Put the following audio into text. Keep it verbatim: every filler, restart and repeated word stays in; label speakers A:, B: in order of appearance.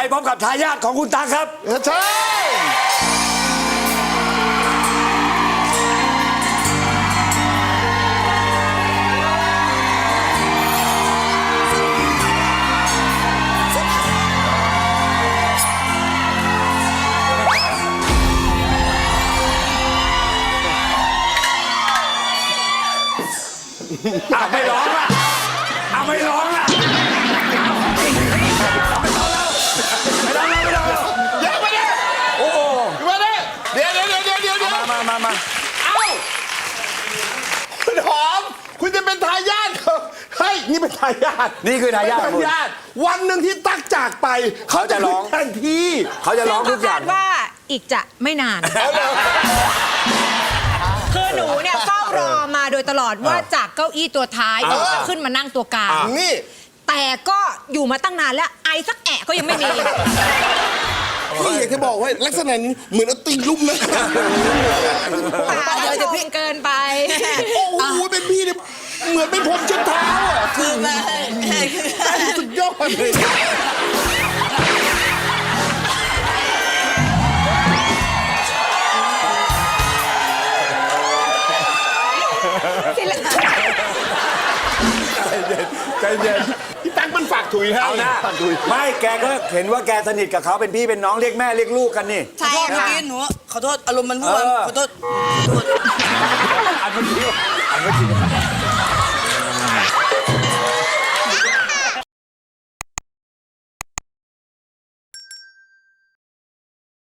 A: พร้อมกับทายาทของคุณตั๊กครับ
B: ใช่
A: อ่ะไม่ร้องอ่ะอ่ะไม่ร้องอ่ะไม่ร้องแล้วไม่ร้องแล้วไม่ร้องแล้ว
B: เดี๋ยวมาดิ
A: โอ้โห
B: มาดิเดี๋ยวเดี๋ยวเดี๋ยวเดี๋ยวเดี๋ยว
A: มามามามา
B: เอ้าคุณหอมคุณจะเป็นทายาทเหรอเฮ้ยนี่เป็นทายาท
A: นี่คือทายาท
B: เป็นทายาทวันหนึ่งที่ตั๊กจากไปเขาจะร้องแทนที่
A: เขาจะร้องทุกอย่าง
C: ซึ่ก็คดว่าอีกจะไม่นาน คือหนูเนี่ยเฝ้ารอมาโดยตลอดว่าจากเก้าอี้ตัวท้ายจะขึ้นมานั่งตัวกลาง
B: นี่
C: แต่ก็อยู่มาตั้งนานแล้วไอสักแอะก็ยังไม่มี
B: พี่อยากจะบอกว่าลักษณะนี้เหมือนเอาตีลุ่มนะ
C: ป่าจะพิงเกินไป
B: โอ้โหเป็นพี่เนี่ยเหมือนเป็นผมเช็ดเท้าอ่ะคือแม่สุดยอดเลย
A: ใจเย็น
B: พี่ตั๊กมันฝากถุยให้
A: เอานะไม่แกก็เห็นว่าแกสนิทกับเขาเป็นพี่เป็นน้องเรียกแม่เรียกลูกกันนี่
D: ขอโทษเมื่อกี้หนูขอโทษอารมณ์มันพูด
A: เออ
D: ขอโทษ
A: อันเมื่อกี้อันเมื่อกี้